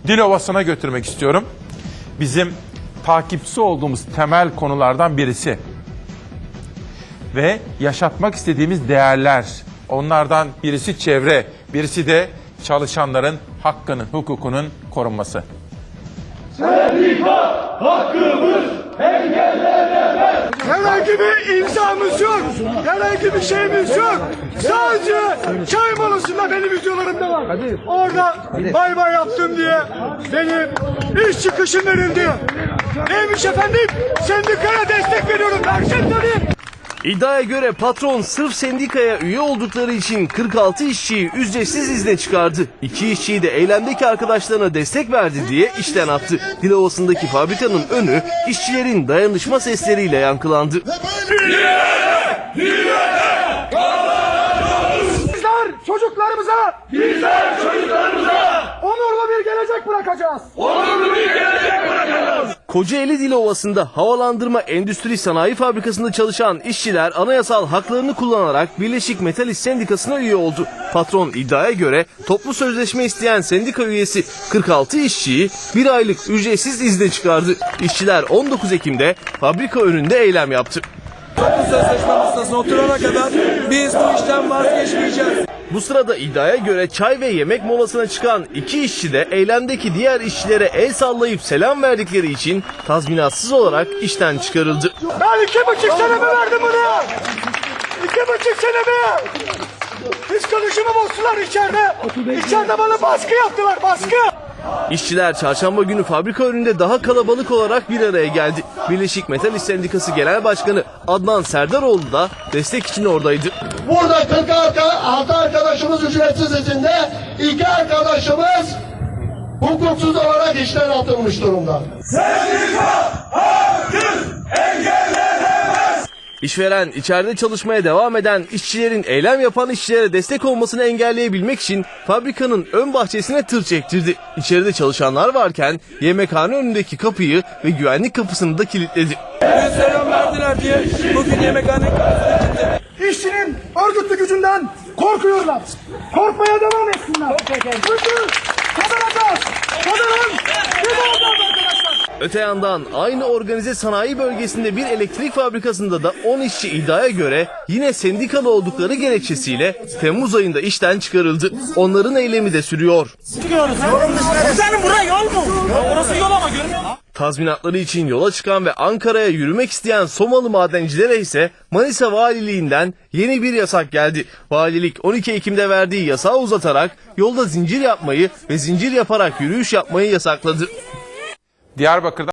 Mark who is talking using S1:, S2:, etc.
S1: Dilovası'na götürmek istiyorum. Bizim takipçisi olduğumuz temel konulardan birisi. Ve yaşatmak istediğimiz değerler. Onlardan birisi çevre, birisi de çalışanların hakkının, hukukunun korunması.
S2: Sendika hakkımız engellenemez.
S3: Herhangi bir imzamız yok. Herhangi bir şeyimiz yok. Sadece çay molasında benim videolarımda var. Orada bay bay yaptım diye benim iş çıkışım verildi. Neymiş efendim? Sendikaya destek veriyorum. Versin tabii.
S4: İddiaya göre patron sırf sendikaya üye oldukları için 46 işçiyi ücretsiz izne çıkardı. 2 işçiyi de eylemdeki arkadaşlarına destek verdi diye işten attı. Dilovası'ndaki fabrikanın önü işçilerin dayanışma sesleriyle yankılandı.
S3: Bizler çocuklarımıza onurlu bir gelecek bırakacağız.
S4: Kocaeli Dilovası'nda havalandırma endüstri sanayi fabrikasında çalışan işçiler anayasal haklarını kullanarak Birleşik Metal İş Sendikası'na üye oldu. Patron iddiaya göre toplu sözleşme isteyen sendika üyesi 46 işçiyi bir aylık ücretsiz izne çıkardı. İşçiler 19 Ekim'de fabrika önünde eylem yaptı.
S5: Toplu sözleşme masasına oturana kadar biz bu işten vazgeçmeyeceğiz.
S4: Bu sırada iddiaya göre çay ve yemek molasına çıkan 2 işçi de eylemdeki diğer işçilere el sallayıp selam verdikleri için tazminatsız olarak işten çıkarıldı.
S3: Ben 2,5 senemi verdim buna. 2,5 senemi. Psikolojimi bozdular içeride. İçeride bana baskı yaptılar, baskı.
S4: İşçiler çarşamba günü fabrika önünde daha kalabalık olarak bir araya geldi. Birleşik Metal İş Sendikası Genel Başkanı Adnan Serdaroğlu da destek için oradaydı.
S6: Burada 46 arkadaşımız ücretsiz izinde, 2 arkadaşımız hukuksuz olarak işten atılmış durumda.
S2: Sendika hakkımız engellenemez.
S4: İşveren içeride çalışmaya devam eden işçilerin eylem yapan işçilere destek olmasını engelleyebilmek için fabrikanın ön bahçesine tır çektirdi. İçeride çalışanlar varken yemekhane önündeki kapıyı ve güvenlik kapısını da kilitledi.
S5: Biz selam verdiler diye bugün yemekhane kapısını kilitledik.
S3: İşçinin örgütlü gücünden korkuyorlar. Korkmaya devam etsinler. Çünkü kazanacağız. Kazanın. Biz olacağız arkadaşlar.
S4: Öte yandan aynı organize sanayi bölgesinde bir elektrik fabrikasında da 10 işçi iddiaya göre yine sendikalı oldukları gerekçesiyle Temmuz ayında işten çıkarıldı. Onların eylemi de sürüyor.
S3: Senin buraya yol mu? Orası yol ama görmüyor musun?
S4: Tazminatları için yola çıkan ve Ankara'ya yürümek isteyen Somalı madencilere ise Manisa Valiliğinden yeni bir yasak geldi. Valilik 12 Ekim'de verdiği yasağı uzatarak yolda zincir yapmayı ve zincir yaparak yürüyüş yapmayı yasakladı.
S1: Diyarbakır'da